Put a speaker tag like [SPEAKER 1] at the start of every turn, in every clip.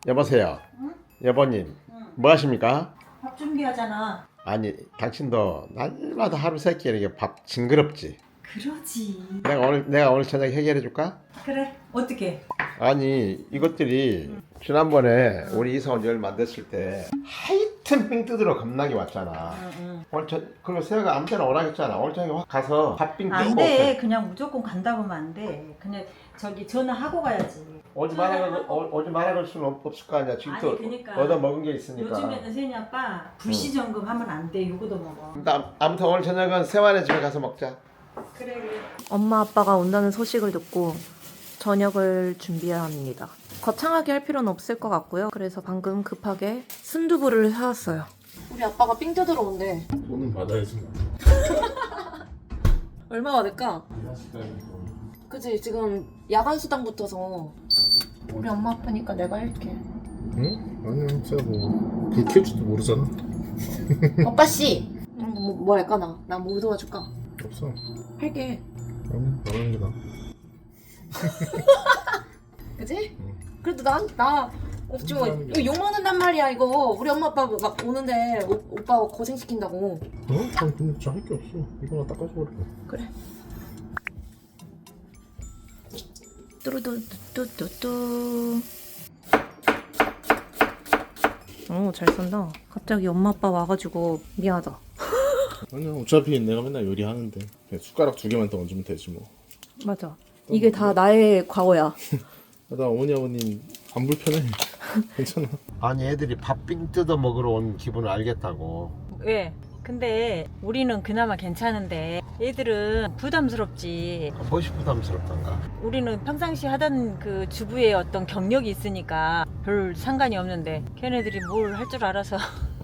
[SPEAKER 1] 여보세요.
[SPEAKER 2] 응?
[SPEAKER 1] 여보님.
[SPEAKER 2] 응.
[SPEAKER 1] 뭐 하십니까?
[SPEAKER 2] 밥 준비하잖아.
[SPEAKER 1] 아니 당신도 날마다 하루 세끼 이렇게 밥 징그럽지.
[SPEAKER 2] 그러지.
[SPEAKER 1] 내가 오늘 저녁 해결해 줄까?
[SPEAKER 2] 그래. 어떻게?
[SPEAKER 1] 아니 이것들이 지난번에 우리 이사 온 열 만들었을 때 하여튼 빙 뜯으러 겁나게 왔잖아.
[SPEAKER 2] 응.
[SPEAKER 1] 오늘 그리고 세아가 아무 때나 오라겠잖아. 오늘 저녁에 확 가서 밥빙 뜯고
[SPEAKER 2] 안 돼. 그냥 무조건 간다고 하면 안 돼. 그냥 저기 전화하고 가야지.
[SPEAKER 1] 오지 말아 갈 수는 없을 거 아니야. 지금
[SPEAKER 2] 아니,
[SPEAKER 1] 또
[SPEAKER 2] 그러니까.
[SPEAKER 1] 얻어 먹은 게 있으니까.
[SPEAKER 2] 요즘에는 세니 아빠 불시점검 하면 안 돼. 요거도 먹어.
[SPEAKER 1] 아무튼 오늘 저녁은 세환의 집에 가서 먹자.
[SPEAKER 2] 그래.
[SPEAKER 3] 엄마 아빠가 온다는 소식을 듣고 저녁을 준비해야 합니다. 거창하게 할 필요는 없을 것 같고요. 그래서 방금 급하게 순두부를 사왔어요. 우리 아빠가 삥 뜯으러 온대.
[SPEAKER 4] 돈은 받아야지.
[SPEAKER 3] 얼마 받을까? 그치, 지금 야간 수당 붙어서 우리 엄마 아프니까 내가 할게.
[SPEAKER 4] 응? 아니야, 진짜 뭐 키울 줄도 모르잖아.
[SPEAKER 3] 오빠 씨! 뭐 할까 나? 나 뭐 도와줄까?
[SPEAKER 4] 없어.
[SPEAKER 3] 할게.
[SPEAKER 4] 아니, 안 하는 게 나아.
[SPEAKER 3] 그치?
[SPEAKER 4] 응.
[SPEAKER 3] 그래도 나 없지 뭐. 이거 욕먹는단 말이야 이거. 우리 엄마 아빠 막 오는데 오빠 고생시킨다고.
[SPEAKER 4] 어? 난 근데 진짜 할 게 없어. 이거나 닦아줘버려.
[SPEAKER 3] 그래. 뚜루뚜뚜뚜뚜. 오, 잘 쏜다. 갑자기 엄마 아빠 와가지고 미안하다.
[SPEAKER 4] 아니야, 어차피 내가 맨날 요리하는데 그냥 숟가락 2개만 더 얹으면 되지 뭐.
[SPEAKER 3] 맞아. 이게 다 나의 과거야.
[SPEAKER 4] 나 어머니 아버님 안 불편해. 괜찮아.
[SPEAKER 1] 아니 애들이 밥빙 뜯어 먹으러 온 기분을 알겠다고.
[SPEAKER 2] 왜? 근데 우리는 그나마 괜찮은데 애들은 부담스럽지.
[SPEAKER 1] 무엇이 부담스럽던가.
[SPEAKER 2] 우리는 평상시 하던 그 주부의 어떤 경력이 있으니까 별 상관이 없는데 걔네들이 뭘 할 줄 알아서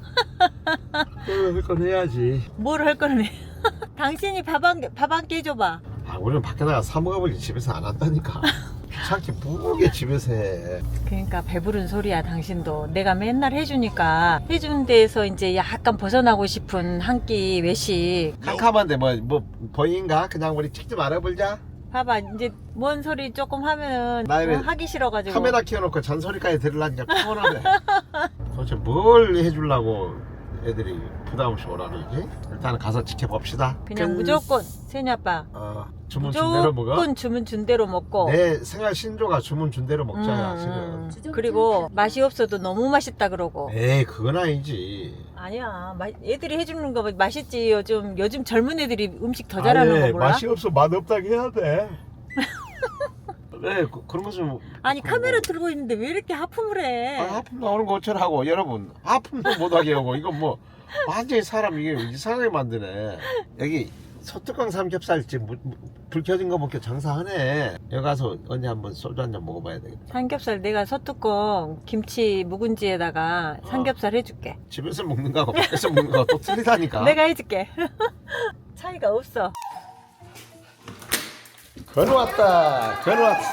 [SPEAKER 1] 그건 해야지.
[SPEAKER 2] 뭘 할 거는 해. 당신이 밥 한 끼 해줘봐.
[SPEAKER 1] 아 우리는 밖에 나가 사 먹어버리 집에서 안 한다니까. 귀찮게 뭐게 집에서 해.
[SPEAKER 2] 그러니까 배부른 소리야 당신도. 내가 맨날 해주니까 해준 데에서 이제 약간 벗어나고 싶은 한 끼 외식.
[SPEAKER 1] 캄캄한데 뭐 보인가? 그냥 우리 찍지 말아보자.
[SPEAKER 2] 봐봐 이제 뭔 소리 조금 하면은
[SPEAKER 1] 나 이래
[SPEAKER 2] 하기 싫어가지고.
[SPEAKER 1] 카메라 켜놓고 잔소리까지 들으려니까 피곤하네. 도대체 뭘 해주려고 애들이 부담 없이 오라 그러지? 일단 가서 지켜봅시다.
[SPEAKER 2] 그냥 무조건 세니 아빠
[SPEAKER 1] 주문 준 대로 먹어?
[SPEAKER 2] 무조건 주문 준 대로 먹고.
[SPEAKER 1] 내 생활 신조가 주문 준 대로 먹자야 지금.
[SPEAKER 2] 그리고 맛이 없어도 너무 맛있다 그러고.
[SPEAKER 1] 에이 그건 아니지.
[SPEAKER 2] 아니야 애들이 해주는 거 맛있지. 요즘 젊은 애들이 음식 더 잘하는 거 몰라?
[SPEAKER 1] 맛이 없어 맛없다고 해야 돼. 네 그런 거 좀.
[SPEAKER 2] 아니 카메라 들고 있는데 왜 이렇게 하품을 해?
[SPEAKER 1] 하품 나오는 거 어쩌라고 여러분. 하품도 못하게 하고 이거 뭐 완전히 사람 이게 이상하게 만드네. 여기 소뚜껑 삼겹살집 불 켜진 거 먹게 장사하네. 여기 가서 언제 한번 소주 한 잔 먹어봐야 되겠다.
[SPEAKER 2] 삼겹살 내가 소뚜껑 김치 묵은지에다가 삼겹살 해줄게.
[SPEAKER 1] 집에서 먹는 거하고 밖에서 먹는 거하고 또 틀리다니까.
[SPEAKER 2] 내가 해줄게. 차이가 없어.
[SPEAKER 1] 건왔다 건왔어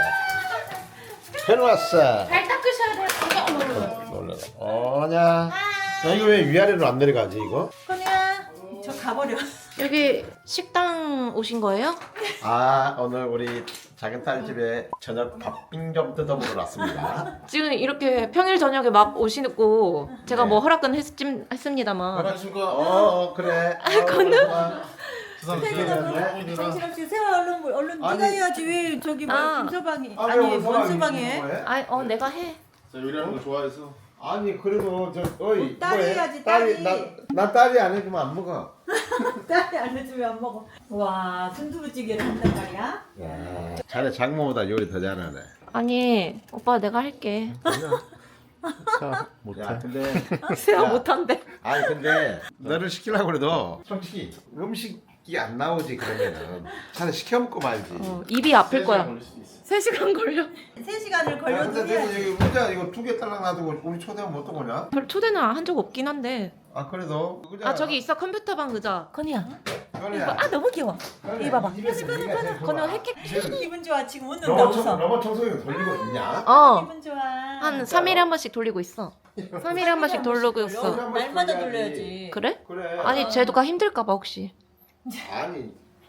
[SPEAKER 1] 건왔어.
[SPEAKER 3] 잘 닦으셔야 돼요.
[SPEAKER 1] 놀라라. 어냐. 야 이거 왜 위아래로 안 내려가지 이거?
[SPEAKER 2] 건이야 저 가버려.
[SPEAKER 3] 여기 식당 오신 거예요?
[SPEAKER 1] 아 오늘 우리 작은 딸 집에 저녁 밥빙 좀 뜯어보러 왔습니다.
[SPEAKER 3] 지금 이렇게 평일 저녁에 막 오시고 제가
[SPEAKER 1] 네.
[SPEAKER 3] 뭐 허락은 했습니다만.
[SPEAKER 4] 안녕하십니까.
[SPEAKER 1] 그래.
[SPEAKER 2] 네.
[SPEAKER 1] 네.
[SPEAKER 2] 정신없이 세워 얼른
[SPEAKER 1] 아니.
[SPEAKER 2] 네가 해야지. 왜 저기 뭐
[SPEAKER 3] 아.
[SPEAKER 2] 김서방이
[SPEAKER 1] 아,
[SPEAKER 2] 아니 원서방이 해?
[SPEAKER 3] 내가 해.
[SPEAKER 4] 저 요리하는 거 좋아해서.
[SPEAKER 1] 아니 그래도 어이
[SPEAKER 2] 딸이
[SPEAKER 1] 뭐해?
[SPEAKER 2] 해야지, 딸이.
[SPEAKER 1] 나 딸이 안 해주면 안 먹어.
[SPEAKER 2] 딸이 안 해주면 안 먹어. 와 순두부찌개를 한단 말이야?
[SPEAKER 1] 야, 자네 장모보다 요리 더 잘하네.
[SPEAKER 3] 아니 오빠 내가 할게.
[SPEAKER 4] 자, 못해.
[SPEAKER 1] 야 근데
[SPEAKER 3] 세아
[SPEAKER 1] 야.
[SPEAKER 3] 못한대.
[SPEAKER 1] 아니 근데 너를 시키려고 그래도 솔직히 음식이 안 나오지 그러면은 차라리 시켜 먹고 말지.
[SPEAKER 3] 입이 아플 거야.
[SPEAKER 4] 걸릴 수도 있어.
[SPEAKER 3] 3시간 걸려.
[SPEAKER 2] 3시간을
[SPEAKER 1] 야, 근데
[SPEAKER 2] 걸려도
[SPEAKER 1] 내가
[SPEAKER 2] 해야지.
[SPEAKER 1] 여기 문자 이거 2개 딸랑 놔두고 우리 초대하면 어떤 거냐?
[SPEAKER 3] 별 초대는 한 적 없긴 한데.
[SPEAKER 1] 아 그래도
[SPEAKER 3] 아 저기 있어 컴퓨터방 의자. 건이야.
[SPEAKER 1] 건이야.
[SPEAKER 3] 아 너무 귀여워.
[SPEAKER 1] 건이야,
[SPEAKER 3] 이거 봐봐.
[SPEAKER 1] 이 집에서 네가 제일 좋아.
[SPEAKER 3] 건우 핵핵.
[SPEAKER 2] 기분 좋아. 지금 웃는다 웃어.
[SPEAKER 1] 로봇 청소기 돌리고 있냐?
[SPEAKER 2] 기분 좋아.
[SPEAKER 3] 한 3일에 한 번씩 돌리고 있어. 3일에 한 번씩 돌리고 있어.
[SPEAKER 2] 날마다 돌려야지.
[SPEAKER 3] 그래?
[SPEAKER 1] 그래.
[SPEAKER 3] 아니 쟤도가 힘들까 봐 혹시.
[SPEAKER 1] 아니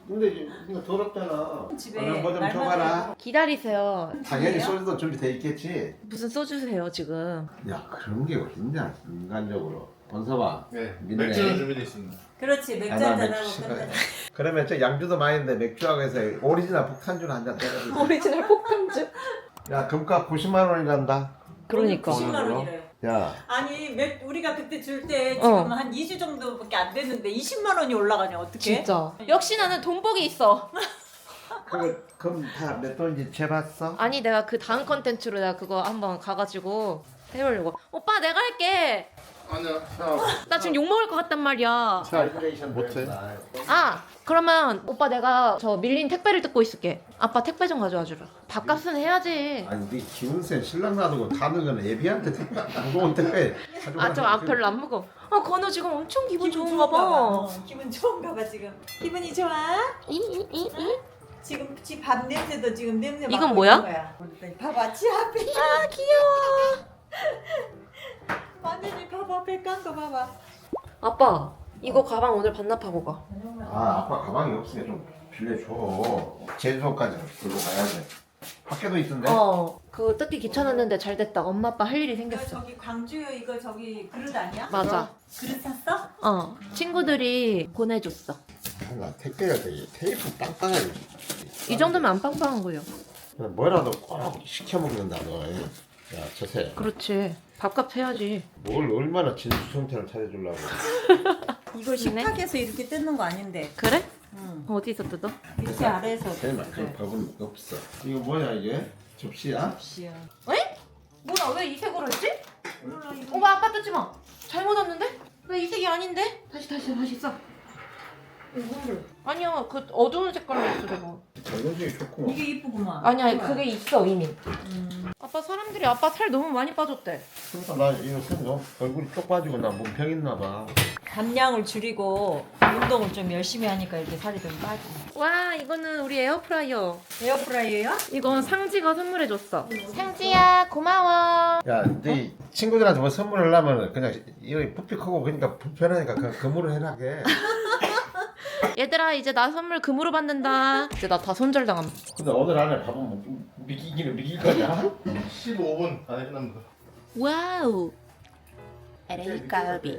[SPEAKER 1] 근데 이거 더럽잖아.
[SPEAKER 2] 집에
[SPEAKER 1] 얼른 뭐좀
[SPEAKER 2] 날마다
[SPEAKER 1] 줘봐라.
[SPEAKER 3] 기다리세요.
[SPEAKER 1] 당연히 소주도 준비돼 있겠지.
[SPEAKER 3] 무슨 소주세요 지금?
[SPEAKER 1] 야 그런 게 어딨냐 인간적으로. 번서봐.
[SPEAKER 4] 네.
[SPEAKER 1] 믿네.
[SPEAKER 4] 맥주는 준비되어 있습니다.
[SPEAKER 2] 그렇지 맥주
[SPEAKER 1] 아, 나
[SPEAKER 2] 한잔
[SPEAKER 1] 맥주
[SPEAKER 2] 하고 끝내.
[SPEAKER 1] 그러면 저 양주도 많이 있는데 맥주하고 해서 오리지널 폭탄주 한잔 때려주자.
[SPEAKER 3] 오리지널 폭탄주.
[SPEAKER 1] 야 금값 90만 원이 간다.
[SPEAKER 3] 그러니까.
[SPEAKER 2] 90만 원이래요.
[SPEAKER 1] 야
[SPEAKER 2] 아니 우리가 그때 줄 때
[SPEAKER 3] 어.
[SPEAKER 2] 지금 한 2주 정도밖에 안 됐는데 20만 원이 올라가냐 어떻게?
[SPEAKER 3] 진짜. 역시 나는 돈복이 있어.
[SPEAKER 1] 그럼 다 몇 돈인지 재봤어?
[SPEAKER 3] 아니 내가 그 다음 컨텐츠로 내가 그거 한번 가가지고 해보려고. 오빠 내가 할게.
[SPEAKER 4] 아니야.
[SPEAKER 3] 나 지금 욕 먹을 것 같단 말이야.
[SPEAKER 1] 칼큘레이션
[SPEAKER 4] 못해.
[SPEAKER 3] 아 그러면 오빠 내가 저 밀린 택배를 뜯고 있을게. 아빠 택배 좀 가져와 주라. 밥값은 해야지.
[SPEAKER 1] 아니 네 기운센 신랑 놔두고 가는 건 애비한테 택배 무거운 택배
[SPEAKER 3] 아 저 별로 안 먹어. 아 건우 지금 엄청 기분 좋은가 봐.
[SPEAKER 2] 기분 좋은가 봐 지금. 기분이 좋아?
[SPEAKER 3] 이.
[SPEAKER 2] 지금 지 밥 냄새도 지금 냄새
[SPEAKER 3] 이건
[SPEAKER 2] 맡고
[SPEAKER 3] 뭐야?
[SPEAKER 2] 있는 거야. 봐봐 지 앞에
[SPEAKER 3] 아 귀여워.
[SPEAKER 2] 완전히 밥 앞에 깐 거 봐봐.
[SPEAKER 3] 아빠 이거 가방 오늘 반납하고 가.
[SPEAKER 1] 아 아빠 가방이 없으니까 좀 빌려줘. 제주도까지 들고 가야 돼. 밖에도 있던데?
[SPEAKER 3] 그거 뜯기 귀찮았는데 잘 됐다. 엄마 아빠 할 일이
[SPEAKER 2] 이거
[SPEAKER 3] 생겼어.
[SPEAKER 2] 저기 광주 이거 저기 그릇 아니야?
[SPEAKER 3] 맞아.
[SPEAKER 2] 그릇 샀어?
[SPEAKER 3] 친구들이 보내줬어.
[SPEAKER 1] 나 택배가 되게 테이프 빵빵해.
[SPEAKER 3] 이 정도면 안 빵빵한 거예요.
[SPEAKER 1] 뭐라도 꼭 시켜 먹는다 너. 야 저새
[SPEAKER 3] 그렇지. 밥값 해야지.
[SPEAKER 1] 뭘 얼마나 진수성찬을 차려주려고.
[SPEAKER 2] 이거 식탁에서 이렇게 뜯는 거 아닌데.
[SPEAKER 3] 그래?
[SPEAKER 2] 응.
[SPEAKER 3] 어디서 뜯어?
[SPEAKER 2] 밑에 아래에서.
[SPEAKER 1] 제발 그런 밥은 없어. 이거 뭐야 이게? 접시야?
[SPEAKER 2] 씨야.
[SPEAKER 3] 에? 뭐야 왜 이 색으로 했지?
[SPEAKER 2] 몰라 이거.
[SPEAKER 3] 엄마 아빠 뜯지 마. 잘못 왔는데? 왜 이 색이 아닌데? 다시 써.
[SPEAKER 2] 이거를.
[SPEAKER 3] 아니야 그 어두운 색깔로 했어 내가.
[SPEAKER 1] 전형적이 좋고.
[SPEAKER 2] 이게 이쁘구만.
[SPEAKER 3] 아니야 그게 있어 이미. 아빠 사람들이 아빠 살 너무 많이 빠졌대.
[SPEAKER 1] 그러니까 나 이거 너 얼굴이 쪽 빠지고 나 몸평 있나 봐.
[SPEAKER 2] 감량을 줄이고 운동을 좀 열심히 하니까 이렇게 살이 좀 빠지네.
[SPEAKER 3] 와 이거는 우리 에어프라이어.
[SPEAKER 2] 에어프라이어요?
[SPEAKER 3] 이건 상지가 선물해줬어. 상지야 고마워.
[SPEAKER 1] 야, 네 친구들한테 뭐 선물을 하면 그냥 이거 부피 크고 그러니까 불편하니까 그냥 금으로 해라게.
[SPEAKER 3] 얘들아 이제 나 선물 금으로 받는다. 이제 나 다 손절당함.
[SPEAKER 1] 근데 오늘 안에 밥은 미기기는 미길 거냐?
[SPEAKER 4] 15분 안에 끝납니다.
[SPEAKER 3] 와우. LA 갈비.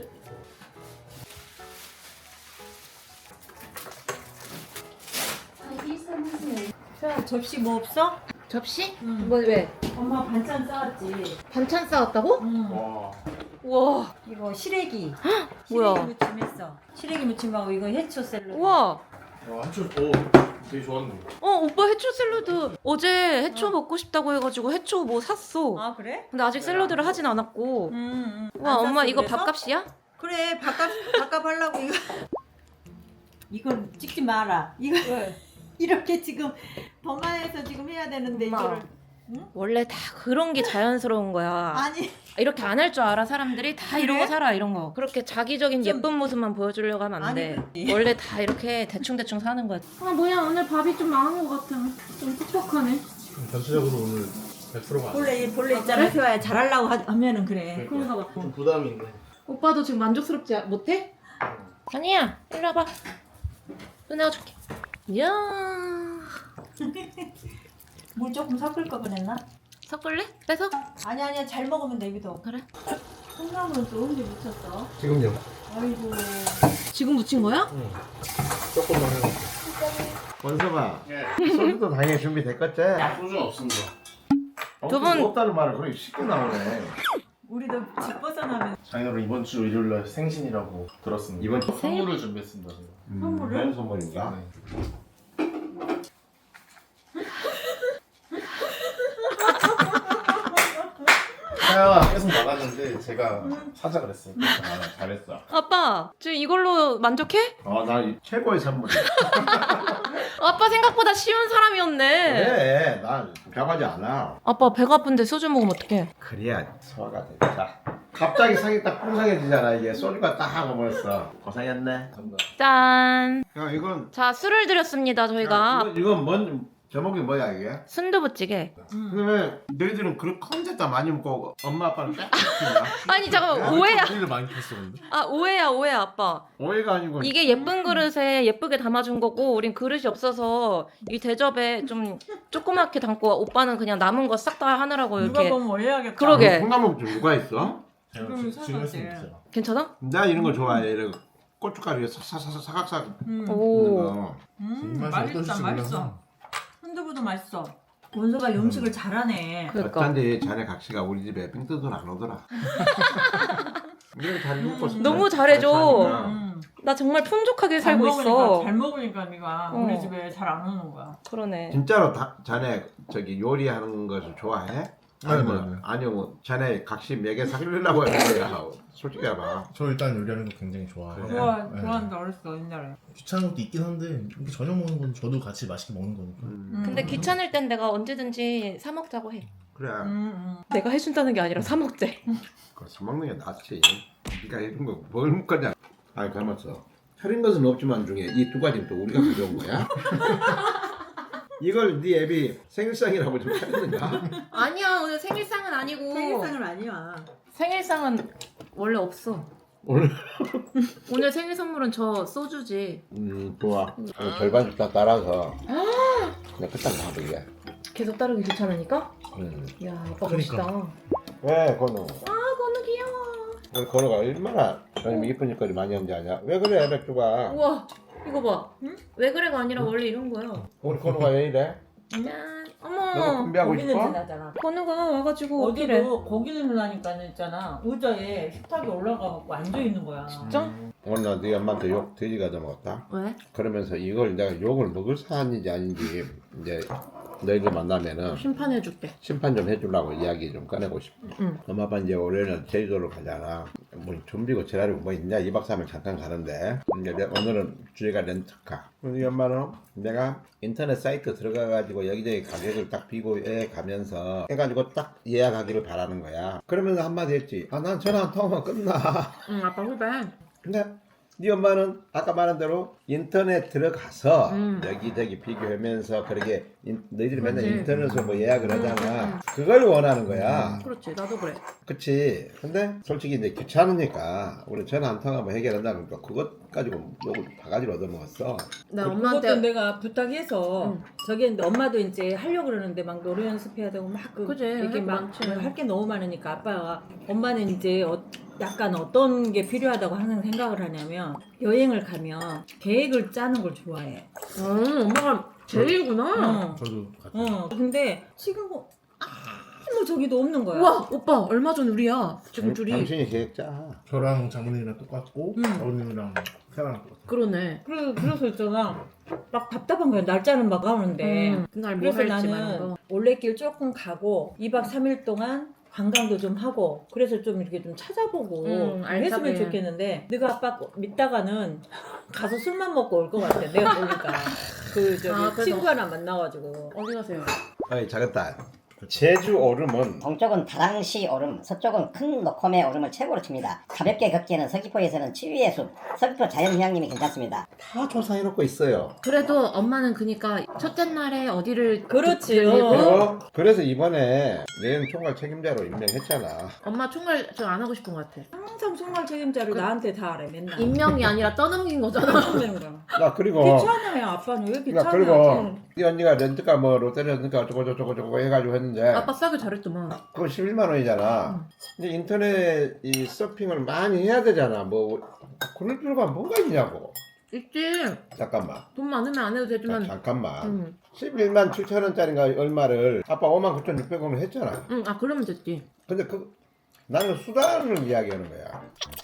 [SPEAKER 2] 접시 뭐 없어?
[SPEAKER 3] 접시?
[SPEAKER 2] 응.
[SPEAKER 3] 뭐 왜?
[SPEAKER 2] 엄마 반찬 싸왔지.
[SPEAKER 3] 반찬 싸왔다고?
[SPEAKER 2] 응.
[SPEAKER 4] 와.
[SPEAKER 3] 우와.
[SPEAKER 2] 이거 시래기.
[SPEAKER 3] 뭐야?
[SPEAKER 2] 시래기 무침 했어. 시래기 무침하고 이거 해초 샐러드.
[SPEAKER 3] 우와.
[SPEAKER 4] 와 한줄 되게 좋았는데.
[SPEAKER 3] 오빠 해초 샐러드. 어제 해초 먹고 싶다고 해가지고 해초 뭐 샀어.
[SPEAKER 2] 아 그래?
[SPEAKER 3] 근데 아직 샐러드를 하진 않았고. 와
[SPEAKER 2] 안
[SPEAKER 3] 엄마
[SPEAKER 2] 샀어,
[SPEAKER 3] 이거
[SPEAKER 2] 그래서?
[SPEAKER 3] 밥값이야?
[SPEAKER 2] 그래 밥값 하려고 이거. 이건 찍지 마라. 이거 이렇게 지금 범하에서 지금 해야 되는데
[SPEAKER 3] 엄마.
[SPEAKER 2] 이거를.
[SPEAKER 3] 원래 다 그런 게 자연스러운 거야.
[SPEAKER 2] 아니
[SPEAKER 3] 이렇게 안 할 줄 알아 사람들이 다 이러고
[SPEAKER 2] 그래?
[SPEAKER 3] 살아 이런 거. 그렇게 자기적인
[SPEAKER 2] 좀-
[SPEAKER 3] 예쁜 모습만 보여주려고 하면 안
[SPEAKER 2] 아니,
[SPEAKER 3] 돼.
[SPEAKER 2] 그렇지.
[SPEAKER 3] 원래 다 이렇게 대충대충 사는 거야. 아 뭐야 오늘 밥이 좀 망한 것 같아. 좀 퍽퍽하네.
[SPEAKER 4] 전체적으로 오늘 100%가
[SPEAKER 2] 본래 있잖아 세화야 잘하려고 하면은 그래.
[SPEAKER 3] 그런가 봐.
[SPEAKER 4] 좀 부담인데.
[SPEAKER 3] 오빠도 지금 만족스럽지 못해? 아니야 일로 와봐. 누나가 줄게. 이야.
[SPEAKER 2] 물 조금 섞을 거 그랬나?
[SPEAKER 3] 섞을래? 빼서?
[SPEAKER 2] 아니야 잘 먹으면 되기도.
[SPEAKER 3] 그래.
[SPEAKER 2] 콩나물은 또 언제 묻혔어?
[SPEAKER 1] 지금요.
[SPEAKER 2] 아이고.
[SPEAKER 3] 지금 묻힌 거야?
[SPEAKER 4] 조금만 해놓을게.
[SPEAKER 1] 원서봐.
[SPEAKER 4] 예.
[SPEAKER 1] 소주도 당연히 준비됐겠지?
[SPEAKER 4] 소주는 없습니다.
[SPEAKER 3] 두 분-
[SPEAKER 1] 없다는 말을 그렇게 쉽게 나오네.
[SPEAKER 2] 우리도 집 벗어나면
[SPEAKER 4] 장인어른 이번 주 일요일날 생신이라고 들었습니다.
[SPEAKER 1] 이번
[SPEAKER 4] 선물을 준비했습니다. 제가.
[SPEAKER 2] 선물을?
[SPEAKER 1] 뭔 선물인가?
[SPEAKER 4] 네. 하야가 계속 나갔는데 제가 사자 그랬어요. 그래서 나는 잘했어.
[SPEAKER 3] 아빠 지금 이걸로 만족해?
[SPEAKER 1] 나 최고의 선물이야.
[SPEAKER 3] 아빠 생각보다 쉬운 사람이었네.
[SPEAKER 1] 그래, 난 변하지 않아.
[SPEAKER 3] 아빠 배가 아픈데 소주 먹으면 어떡해?
[SPEAKER 1] 그래야 소화가 돼. 자, 갑자기 상이 딱 풍성해지잖아 이게. 소주가 딱 하고 벌써. 고생했네.
[SPEAKER 4] 감사합니다.
[SPEAKER 3] 짠.
[SPEAKER 1] 야, 이건
[SPEAKER 3] 자 술을 드렸습니다 저희가.
[SPEAKER 1] 이건 뭔 제목이 뭐야 이게?
[SPEAKER 3] 순두부찌개.
[SPEAKER 1] 근데 왜 너희들은 그런 컨셉다 많이 먹고 엄마 아빠는 딱 시키냐?
[SPEAKER 3] 아니 잠깐만 오해야.
[SPEAKER 4] 고기를 많이 켰어 근데.
[SPEAKER 3] 아 오해야 아빠.
[SPEAKER 1] 오해가 아니고
[SPEAKER 3] 이게 예쁜 그릇에 예쁘게 담아준 거고 우린 그릇이 없어서 이 대접에 좀 조그맣게 담고 오빠는 그냥 남은 거 싹 다 하느라고
[SPEAKER 2] 누가
[SPEAKER 3] 이렇게.
[SPEAKER 2] 보면 오해하겠다.
[SPEAKER 3] 그러게.
[SPEAKER 1] 콩나물 좀 누가 있어?
[SPEAKER 2] 지금
[SPEAKER 4] 지금 했으면
[SPEAKER 2] 사놨지.
[SPEAKER 4] 됐어요.
[SPEAKER 3] 괜찮아?
[SPEAKER 1] 나 이런 거 좋아해. 이런 고춧가루 사각사각 있는
[SPEAKER 3] 오.
[SPEAKER 1] 거.
[SPEAKER 4] 맛이
[SPEAKER 2] 맛있다
[SPEAKER 4] 어떨지
[SPEAKER 2] 맛있어.
[SPEAKER 4] 몰라서.
[SPEAKER 2] 순두부도 맛있어. 원서가 음식을 잘하네.
[SPEAKER 3] 그러니까.
[SPEAKER 1] 어쩐지 자네 각시가 우리 집에 빙 뜨더라 안 오더라. 이렇게 잘 먹고 싶다.
[SPEAKER 3] 너무 잘해줘.
[SPEAKER 1] 잘 사니까.
[SPEAKER 3] 나 정말 풍족하게
[SPEAKER 2] 잘
[SPEAKER 3] 살고
[SPEAKER 2] 먹으니까,
[SPEAKER 3] 있어.
[SPEAKER 2] 잘 먹으니까 네가
[SPEAKER 3] 어.
[SPEAKER 2] 우리 집에 잘 안 오는 거야.
[SPEAKER 3] 그러네.
[SPEAKER 1] 진짜로 자네 저기 요리하는 것을 좋아해? 아니면 아니면 자네 각시 몇개 살리려고 하는 거야? 솔직히 해봐.
[SPEAKER 4] 저 일단 요리하는 거 굉장히 좋아해요.
[SPEAKER 1] 그래?
[SPEAKER 2] 좋아한다 어렸어 옛날에.
[SPEAKER 4] 귀찮은 것도 있긴 한데 이렇게 저녁 먹는 건 저도 같이 맛있게 먹는 거니까.
[SPEAKER 3] 근데 귀찮을 땐 내가 언제든지 사 먹자고 해.
[SPEAKER 1] 그래.
[SPEAKER 3] 내가 해준다는 게 아니라 사 먹재.
[SPEAKER 1] 그거 사 먹는 게 낫지. 네가 해준 거 뭘 먹겠냐? 아니 가만있어. 차린 것은 없지만 중에 이 두 가지는 또 우리가 가져온 거야? 이걸 네 애비 생일상이라고 좀 차렸는가?
[SPEAKER 3] 아니야 오늘 생일상은 아니고.
[SPEAKER 2] 생일상은 아니야.
[SPEAKER 3] 생일상은 원래 없어.
[SPEAKER 1] 오늘
[SPEAKER 3] 오늘 생일 선물은 저 소주지.
[SPEAKER 1] 좋아. 절반씩 다 따라서 그냥 끝장 나도 이게.
[SPEAKER 3] 계속 따르기 귀찮으니까? 야 아빠
[SPEAKER 4] 그러니까.
[SPEAKER 3] 멋있다.
[SPEAKER 1] 왜 건우?
[SPEAKER 3] 아 건우 귀여워.
[SPEAKER 1] 우리 건우가 얼마나 요즘 이쁜 짓거리 많이 하는지 아냐? 왜 그래 맥주가?
[SPEAKER 3] 우와 이거 봐. 응? 왜 그래가 아니라 원래 이런 거야.
[SPEAKER 1] 우리 건우가 왜 이래?
[SPEAKER 3] 짠.
[SPEAKER 1] 너가
[SPEAKER 3] 어머.
[SPEAKER 1] 준비하고
[SPEAKER 2] 고기 냄새
[SPEAKER 1] 싶어?
[SPEAKER 2] 나잖아.
[SPEAKER 3] 건우가 와가지고 어디래?
[SPEAKER 2] 어제도 고기 냄새 나니까 있잖아. 의자에 식탁에 올라가갖고 앉아 있는 거야.
[SPEAKER 3] 진짜?
[SPEAKER 1] 오늘 나네 엄마한테 욕 돼지 가져 먹었다.
[SPEAKER 3] 왜?
[SPEAKER 1] 그러면서 이걸 내가 욕을 먹을 사안인지 아닌지 이제 너희들 만나면은
[SPEAKER 3] 심판해줄게.
[SPEAKER 1] 심판 좀 해주려고 이야기 좀 꺼내고 싶어.
[SPEAKER 3] 응.
[SPEAKER 1] 엄마 아빠 이제 올해는 제주도로 가잖아. 뭐 준비고 지랄이고 뭐 있냐? 2박 3일 잠깐 가는데 이제 오늘은 주제가 렌트카. 우리 엄마는 내가 인터넷 사이트 들어가가지고 여기저기 가격을 딱 비교해 가면서 해가지고 딱 예약하기를 바라는 거야. 그러면서 한마디 했지. 아 난 전화 한 통화만 끝나.
[SPEAKER 3] 응 아빠 후배.
[SPEAKER 1] 근데 네 엄마는 아까 말한 대로 인터넷 들어가서
[SPEAKER 3] 음.
[SPEAKER 1] 여기저기 비교하면서 그렇게 너희들이 맨날
[SPEAKER 3] 그치.
[SPEAKER 1] 인터넷으로 뭐 예약을 하잖아. 그걸 원하는 거야.
[SPEAKER 3] 그렇지 나도 그래.
[SPEAKER 1] 그치. 근데 솔직히 이제 귀찮으니까 우리 전화 한 통하면 해결한다면 또 그것 가지고 욕을 바가지로 얻어먹었어.
[SPEAKER 3] 나
[SPEAKER 2] 그것도
[SPEAKER 3] 엄마한테
[SPEAKER 2] 내가 부탁해서 저기 했는데 엄마도 이제 하려고 그러는데 막 노래 연습해야 되고 막
[SPEAKER 3] 그치,
[SPEAKER 2] 이게
[SPEAKER 3] 할거
[SPEAKER 2] 막
[SPEAKER 3] 많지.
[SPEAKER 2] 할 게 너무 많으니까 아빠가 엄마는 이제 약간 어떤 게 필요하다고 항상 생각을 하냐면 여행을 가면 계획을 짜는 걸 좋아해.
[SPEAKER 3] 엄마가 제일구나.
[SPEAKER 4] 저도 같이.
[SPEAKER 2] 근데 지금 뭐 아무 저기도 없는 거야.
[SPEAKER 3] 우와 오빠 얼마 전 우리야. 지금 둘이.
[SPEAKER 1] 당신이 계획 짜.
[SPEAKER 4] 저랑 장모님이랑 똑같고 아버님이랑 세아랑 똑같아.
[SPEAKER 3] 그러네.
[SPEAKER 2] 그래서 있잖아. 막 답답한 거야. 날짜는 막 가오는데.
[SPEAKER 3] 그날 뭐
[SPEAKER 2] 그래서
[SPEAKER 3] 할지 말는
[SPEAKER 2] 나는
[SPEAKER 3] 거.
[SPEAKER 2] 올레길 조금 가고 2박 3일 동안 관광도 좀 하고 그래서 좀 이렇게 좀 찾아보고
[SPEAKER 3] 알차게.
[SPEAKER 2] 했으면 좋겠는데 네가 아빠 믿다가는 가서 술만 먹고 올 것 같아. 내가 보니까 그 저기
[SPEAKER 3] 아, 그래서-
[SPEAKER 2] 친구 하나 만나가지고
[SPEAKER 3] 어디 가세요?
[SPEAKER 1] 아니 작았다. 제주 얼음은
[SPEAKER 5] 동쪽은 다랑시 얼음, 서쪽은 큰 노코메 얼음을 최고로 칩니다. 가볍게 걷기에는 서귀포에서는 치위의 숲, 서귀포 자연휴양림이 괜찮습니다.
[SPEAKER 1] 다 조사해놓고 있어요.
[SPEAKER 3] 그래도 엄마는 그니까 첫째 날에 어디를
[SPEAKER 2] 그렇지.
[SPEAKER 1] 그리고 그래서 이번에 내년 총괄 책임자로 임명했잖아.
[SPEAKER 3] 엄마 총괄 저 안 하고 싶은 것 같아.
[SPEAKER 2] 항상 총괄 책임자를 나한테 다 하래 맨날.
[SPEAKER 3] 임명이 아니라 떠넘긴 거잖아.
[SPEAKER 2] 하는 거야.
[SPEAKER 1] 나 그리고
[SPEAKER 2] 귀찮아요 아빠는 왜
[SPEAKER 1] 나
[SPEAKER 2] 귀찮아?
[SPEAKER 1] 그리고 이 언니가 렌트카 뭐 롯데 렌트카 어쩌고 해가지고 했는데
[SPEAKER 3] 아빠 싸게 잘했더만.
[SPEAKER 1] 그거 11만 원이잖아. 이제 인터넷 이 서핑을 많이 해야 되잖아. 뭐 그럴 필요가 뭐가 있냐고.
[SPEAKER 3] 있지.
[SPEAKER 1] 잠깐만.
[SPEAKER 3] 돈 많으면 안 해도 되지만.
[SPEAKER 1] 잠깐만. 11만 7천 원짜리인가 얼마를 아빠 5만 9,600원을 했잖아.
[SPEAKER 3] 응, 아 그러면 됐지.
[SPEAKER 1] 근데 나는 수단을 이야기하는 거야.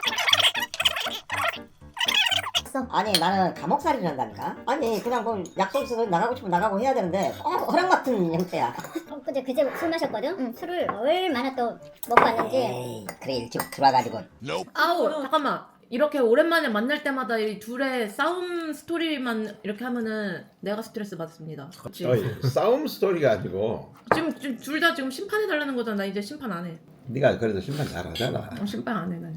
[SPEAKER 5] 아니 나는 감옥살이를 한다니까? 아니 그냥 뭐 약속 있어서 나가고 싶으면 나가고 해야 되는데 허락 같은 형태야.
[SPEAKER 6] 그제 술 마셨거든? 응, 술을 얼마나 또 먹고 왔는지.
[SPEAKER 5] 에이 그래 일찍 들어와가지고
[SPEAKER 3] 아우 잠깐만. 이렇게 오랜만에 만날 때마다 이 둘의 싸움 스토리만 이렇게 하면은 내가 스트레스 받습니다. 그치?
[SPEAKER 1] 어이, 싸움 스토리가 아니고
[SPEAKER 3] 지금 둘 다 지금 심판해 달라는 거잖아. 나 이제 심판 안 해.
[SPEAKER 1] 네가 그래도 심판 잘하잖아.
[SPEAKER 3] 심판 안 해. 난.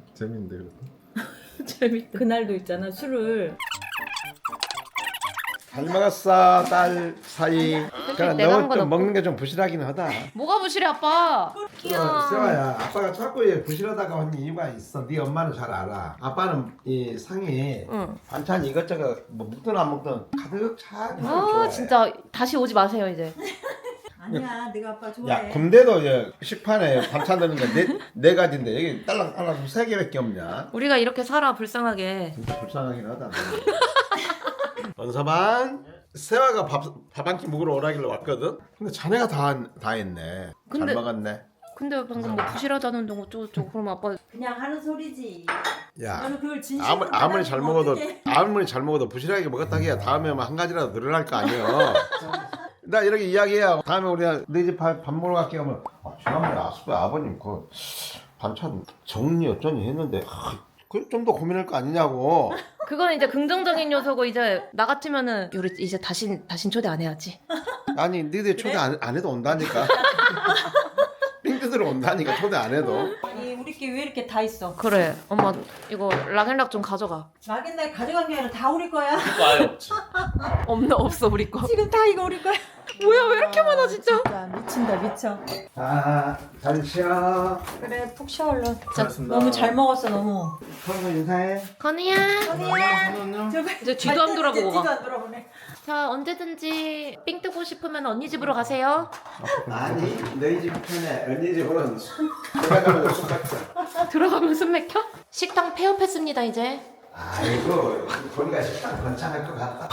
[SPEAKER 4] 재밌는데 이거.
[SPEAKER 3] 재밌다.
[SPEAKER 2] 그날도 있잖아 술을
[SPEAKER 1] 잘 먹었어 딸 사이. 그러니까
[SPEAKER 3] 내가 한
[SPEAKER 1] 너
[SPEAKER 3] 건
[SPEAKER 1] 좀
[SPEAKER 3] 없고.
[SPEAKER 1] 먹는 게 좀 부실하긴 하다.
[SPEAKER 3] 뭐가 부실해 아빠?
[SPEAKER 1] 세화야, 아빠가 자꾸 얘 부실하다고 한 이유가 있어. 네 엄마는 잘 알아. 아빠는 이 상이
[SPEAKER 3] 응.
[SPEAKER 1] 반찬 이것저것 뭐 먹든 안 먹든 가득 차게
[SPEAKER 3] 아
[SPEAKER 1] 좋아해.
[SPEAKER 3] 진짜 다시 오지 마세요 이제.
[SPEAKER 2] 아니야, 내가 아빠 좋아해.
[SPEAKER 1] 야, 군대도 이제 식판에 반찬 드는 게 네 가지인데 여기 딸랑 세 개밖에 없냐?
[SPEAKER 3] 우리가 이렇게 살아 불쌍하게.
[SPEAKER 1] 진짜 불쌍하긴 하다. 원서방, 세화가 밥 한 끼 먹으러 오라길래 왔거든. 근데 자네가 다 했네.
[SPEAKER 3] 근데-
[SPEAKER 1] 잘 먹었네.
[SPEAKER 3] 근데 방금 뭐 부실하다는 거 어쩌고 그럼 아빠
[SPEAKER 2] 그냥 하는 소리지.
[SPEAKER 1] 야,
[SPEAKER 2] 너는 그걸 진심으로
[SPEAKER 1] 아무리 잘
[SPEAKER 2] 받아들이면
[SPEAKER 1] 먹어도
[SPEAKER 2] 어떡해.
[SPEAKER 1] 아무리 잘 먹어도 부실하게 먹었다 해야 다음에 한 가지라도 늘어날 거 아니야. 나 이렇게 이야기해야 다음에 우리가 내 집 밥 먹으러 갈게 하면 지난번에 아버님 그 반찬 정리 어쩌니 했는데 그 좀 더 고민할 거 아니냐고.
[SPEAKER 3] 그건 이제 긍정적인 요소고 이제 나 같으면은 우리 이제 다신 초대 안 해야지.
[SPEAKER 1] 아니 니들 초대 안 해도 온다니까. 핑크들은 온다니까 초대 안 해도.
[SPEAKER 2] 아니, 우리끼리 왜 이렇게 다 있어?
[SPEAKER 3] 그래 엄마 이거 락앤락 좀 가져가.
[SPEAKER 2] 막연날 가져간 게 아니라 다 우리 거야.
[SPEAKER 4] 아예 없지.
[SPEAKER 3] 없어 우리 거.
[SPEAKER 2] 지금 다 이거 우리 거야.
[SPEAKER 3] 뭐야 왜 이렇게 많아 진짜.
[SPEAKER 2] 진짜 미친다, 미쳐.
[SPEAKER 1] 잘 쉬어.
[SPEAKER 2] 그래, 푹 쉬어 얼른.
[SPEAKER 4] 고맙습니다.
[SPEAKER 2] 너무 잘 먹었어, 너무.
[SPEAKER 1] 서로 인사해.
[SPEAKER 3] 건우야. 이제 뒤도 안 돌아보고
[SPEAKER 2] 뒤도
[SPEAKER 3] 가.
[SPEAKER 2] 안 돌아보네.
[SPEAKER 3] 자 언제든지 삥 뜨고 싶으면 언니 집으로 가세요.
[SPEAKER 1] 아니 너희 집 편에 언니 집으로는 들어가면 술 먹자.
[SPEAKER 3] 들어가면 숨 막혀? 식당 폐업했습니다 이제.
[SPEAKER 1] 아이고 보니까 식당 번창할 것 같다.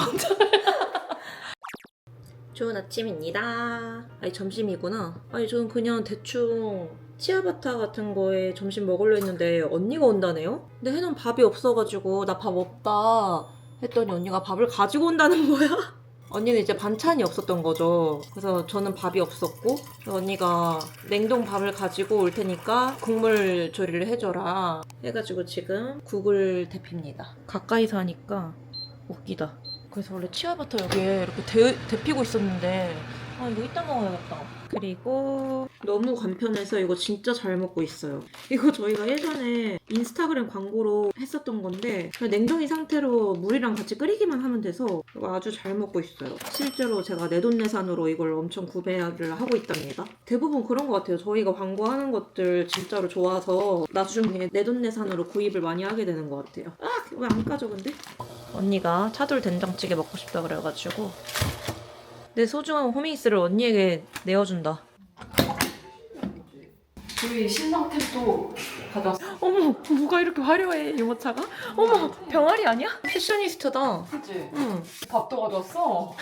[SPEAKER 3] 좋은 아침입니다. 아니 점심이구나. 아니 저는 그냥 대충 치아바타 같은 거에 점심 먹으려 했는데 언니가 온다네요? 근데 해놓은 밥이 없어가지고 나 밥 없다 했더니 언니가 밥을 가지고 온다는 거야. 언니는 이제 반찬이 없었던 거죠. 그래서 저는 밥이 없었고 언니가 냉동 밥을 가지고 올 테니까 국물 조리를 해줘라 해가지고 지금 국을 데핍니다. 가까이서 하니까 웃기다. 그래서 원래 치아바타 여기에 이렇게 데피고 있었는데 아 이거 이따 먹어야겠다. 그리고 너무 간편해서 이거 진짜 잘 먹고 있어요. 이거 저희가 예전에 인스타그램 광고로 했었던 건데 그냥 냉동이 상태로 물이랑 같이 끓이기만 하면 돼서 이거 아주 잘 먹고 있어요. 실제로 제가 내돈내산으로 이걸 엄청 구매를 하고 있답니다. 대부분 그런 것 같아요. 저희가 광고하는 것들 진짜로 좋아서 나중에 내돈내산으로 구입을 많이 하게 되는 것 같아요. 아! 왜 안 까져 근데? 언니가 차돌 된장찌개 먹고 싶다 그래가지고 내 소중한 호밍스를 언니에게 내어준다.
[SPEAKER 7] 우리 신상템도 가져왔어.
[SPEAKER 3] 어머, 뭐가 이렇게 화려해, 유모차가? 어머, 병아리 아니야? 패셔니스트다.
[SPEAKER 7] 그치?
[SPEAKER 3] 응.
[SPEAKER 7] 밥도 가져왔어.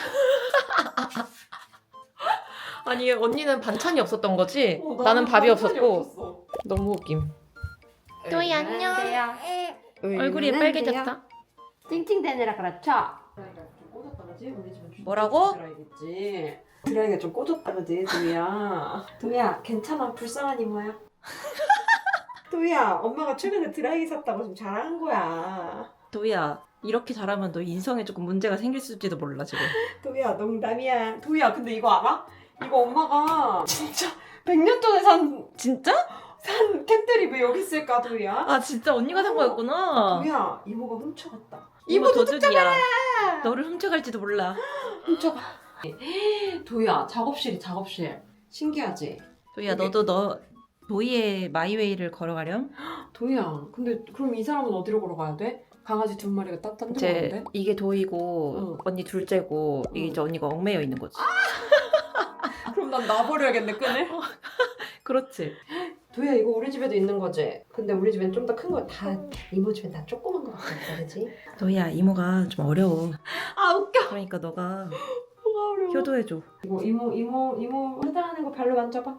[SPEAKER 3] 아니, 언니는 반찬이 없었던 거지? 나는 밥이 없었고. 너무 웃김. 또이 안녕. 얼굴이 빨개졌다.
[SPEAKER 7] 찡찡대느라 그렇죠? 꽂았다 그지? 우리 집은
[SPEAKER 3] 뭐라고?
[SPEAKER 7] 드라이겠지. 드라이가 좀 꽂았다 그지, 도희야. 도희야, 괜찮아. 불쌍한 이모야. 도희야, 엄마가 최근에 드라이기 샀다고 지금 자랑한 거야.
[SPEAKER 3] 도희야, 이렇게 잘하면 너 인성에 조금 문제가 생길지도 몰라, 지금.
[SPEAKER 7] 도희야, 농담이야. 도희야, 근데 이거 알아? 이거 엄마가 진짜 100년 전에
[SPEAKER 3] 진짜?
[SPEAKER 7] 산 캔들이 왜 여기 있을까, 도희야?
[SPEAKER 3] 아, 진짜 언니가 산 거였구나.
[SPEAKER 7] 도희야, 이모가 훔쳐갔다.
[SPEAKER 3] 이모 도둑이야. 너를 훔쳐갈지도 몰라.
[SPEAKER 7] 훔쳐가. 도희야, 작업실. 신기하지?
[SPEAKER 3] 도희야, 너도 도희의 마이웨이를 걸어가렴?
[SPEAKER 7] 도희야, 근데 그럼 이 사람은 어디로 걸어가야 돼? 강아지 두 마리가 딴 데로
[SPEAKER 3] 이제
[SPEAKER 7] 가는데?
[SPEAKER 3] 이게 도희고
[SPEAKER 7] 응.
[SPEAKER 3] 언니 둘째고 이게 이제 언니가 얽매여 있는 거지.
[SPEAKER 7] 그럼 난 놔버려야겠네, 끈을?
[SPEAKER 3] 그렇지.
[SPEAKER 7] 도희야, 이거 우리 집에도 있는 거지? 근데 우리 집엔 좀 더 큰 거 다 이모 집엔 다 조그만 거 같아, 그지?
[SPEAKER 3] 도희야, 이모가 좀 어려워.
[SPEAKER 7] 아, 웃겨.
[SPEAKER 3] 그러니까 너가
[SPEAKER 7] 뭐가 어려워.
[SPEAKER 3] 효도해줘.
[SPEAKER 7] 이거 이모 해달라는 거 발로 만져봐.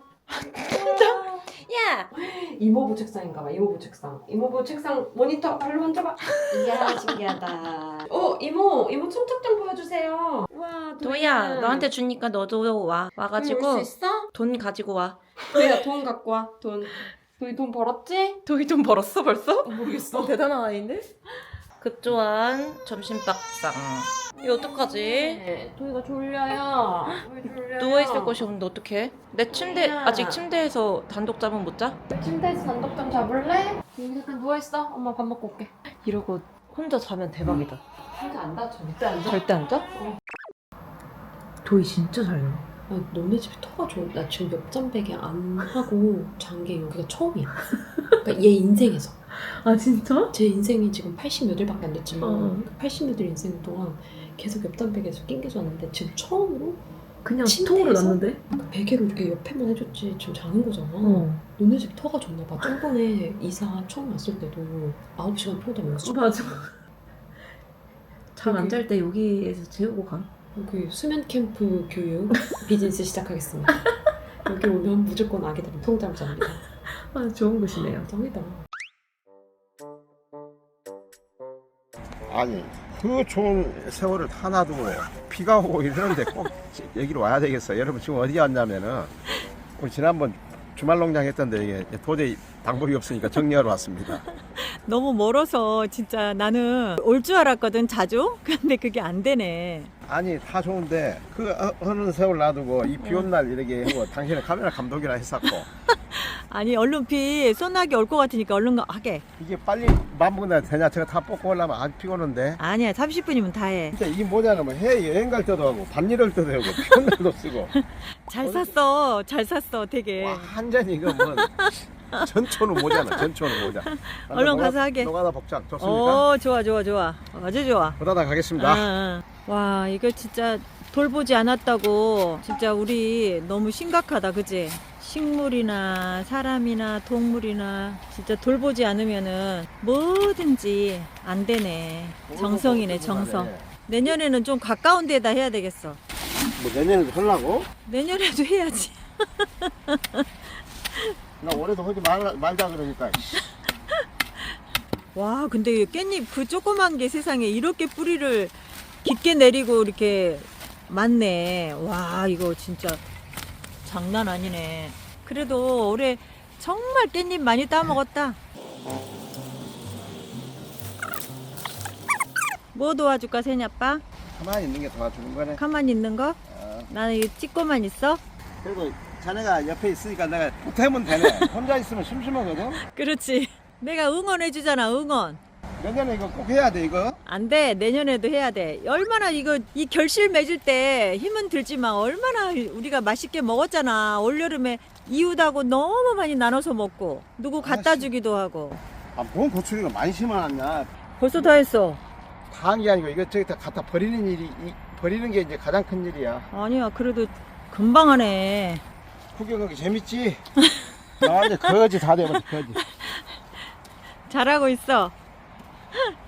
[SPEAKER 3] 야!
[SPEAKER 7] 이모부 책상인가 봐, 이모부 책상 모니터 발로 만져봐. 이야, 신기하다. 이모 청첩장 보여주세요. 와,
[SPEAKER 3] 도희야, 너한테 주니까 너도 와가지고
[SPEAKER 7] 올수 있어?
[SPEAKER 3] 돈 가지고 와.
[SPEAKER 7] 도희야, 돈 갖고 와. 도희 돈 벌었지?
[SPEAKER 3] 도희 돈 벌었어 벌써?
[SPEAKER 7] 모르겠어.
[SPEAKER 3] 대단한 아이인데? 급조한 점심밥상. 이거 어떡하지?
[SPEAKER 7] 네, 도희가 졸려요. 왜 졸려요?
[SPEAKER 3] 누워있을 곳이 없는데 어떡해? 내 침대
[SPEAKER 7] 도희야.
[SPEAKER 3] 아직 침대에서 단독 잠은 못 자?
[SPEAKER 7] 침대에서 단독 좀 잡을래? 여기 잠깐 누워있어. 엄마 밥 먹고 올게.
[SPEAKER 3] 이러고 혼자 자면 대박이다.
[SPEAKER 7] 혼자 안 다 절대 안 자.
[SPEAKER 3] 절대 안 자? 도희 진짜 잘 넣어.
[SPEAKER 8] 아, 너네 집이 터가 좋아. 나 지금 옆잠베개 안 하고 잔 게 여기가 처음이야. 그러니까 얘 인생에서.
[SPEAKER 3] 아 진짜?
[SPEAKER 8] 제 인생이 지금 80몇일밖에 안 됐지만
[SPEAKER 3] 어.
[SPEAKER 8] 80몇일 인생 동안 계속 옆잠베개에서 낑겨서 왔는데 지금 처음으로
[SPEAKER 3] 그냥
[SPEAKER 8] 침대에서?
[SPEAKER 3] 통으로 났는데?
[SPEAKER 8] 그 베개로 이렇게 옆에만 해줬지 지금 자는 거잖아.
[SPEAKER 3] 어.
[SPEAKER 8] 너네 집 터가 좋나 봐. 저번에 이사 처음 왔을 때도 9시간 피우다면서
[SPEAKER 3] 맞아. 잠 안 잘 때 여기에서 재우고 가.
[SPEAKER 8] 여기 수면 캠프 교육 비즈니스 시작하겠습니다. 여기 오면 무조건 아기들은 통잠 잡니다.
[SPEAKER 3] 아 좋은 곳이네요.
[SPEAKER 8] 짱이다.
[SPEAKER 1] 아니 그 좋은 세월을 다 놔두고 비가 오고 이러는데 꼭 여기로 와야 되겠어. 여러분 지금 어디 왔냐면은 우리 지난번 주말 농장 했던데 이게 도저히 방법이 없으니까 정리하러 왔습니다.
[SPEAKER 2] 너무 멀어서 진짜 나는 올 줄 알았거든 자주. 근데 그게 안 되네.
[SPEAKER 1] 아니 다 좋은데 그 어느 세월 놔두고 이 비 온 날 이렇게 하고 당신은 카메라 감독이라 했었고
[SPEAKER 2] 아니 얼른 비 소나기 올 것 같으니까 얼른 하게.
[SPEAKER 1] 이게 빨리 마무리가 되냐 제가 다 뽑고 오려면 아주 피곤한데
[SPEAKER 2] 아니야 30분이면 다 해.
[SPEAKER 1] 진짜 이게 뭐냐면 뭐 해외 여행 갈 때도 하고 반일할 때도 하고 비 온 날도 쓰고
[SPEAKER 2] 잘 샀어. 잘 샀어 되게.
[SPEAKER 1] 와 완전히 이거 뭐 전초는 모자나 전초는 모자.
[SPEAKER 2] 얼른 가서 하게.
[SPEAKER 1] 노가다 복장 좋습니까?
[SPEAKER 2] 좋아 좋아 좋아. 아주 좋아.
[SPEAKER 1] 보다다 가겠습니다.
[SPEAKER 2] 응. 와 이거 진짜 돌보지 않았다고 진짜 우리 너무 심각하다 그지? 식물이나 사람이나 동물이나 진짜 돌보지 않으면은 뭐든지 안 되네. 정성이네 정성. 내년에는 좀 가까운 데다 해야 되겠어.
[SPEAKER 1] 뭐 내년에도 하려고?
[SPEAKER 2] 내년에도 해야지.
[SPEAKER 1] 나 올해도 하지 말자 그러니까.
[SPEAKER 2] 와 근데 이 깻잎 그 조그만 게 세상에 이렇게 뿌리를 깊게 내리고 이렇게 많네. 와 이거 진짜 장난 아니네. 그래도 올해 정말 깻잎 많이 따먹었다. 뭐 도와줄까 세냐빠?
[SPEAKER 1] 가만히 있는 게 도와주는 거네.
[SPEAKER 2] 가만히 있는 거? 나는 이거 찍고만 있어?
[SPEAKER 1] 그래도 자네가 옆에 있으니까 내가 보태면 되네. 혼자 있으면 심심하거든.
[SPEAKER 2] 그렇지. 내가 응원해 주잖아 응원.
[SPEAKER 1] 내년에 이거 꼭 해야 돼 이거.
[SPEAKER 2] 안 돼. 내년에도 해야 돼. 얼마나 이거 이 결실 맺을 때 힘은 들지만 얼마나 우리가 맛있게 먹었잖아. 올여름에 이웃하고 너무 많이 나눠서 먹고 누구 갖다 주기도 하고.
[SPEAKER 1] 아, 뭔 고추리가 많이 심어놨냐.
[SPEAKER 2] 벌써 다 했어.
[SPEAKER 1] 다 한 게 아니고 이거 저기 다 갖다 버리는 일이 버리는 게 이제 가장 큰 일이야.
[SPEAKER 2] 아니야. 그래도 금방 하네.
[SPEAKER 1] 구경하기 재밌지? 나 완전 거지 다 돼버렸어 거지.
[SPEAKER 2] 잘하고 있어.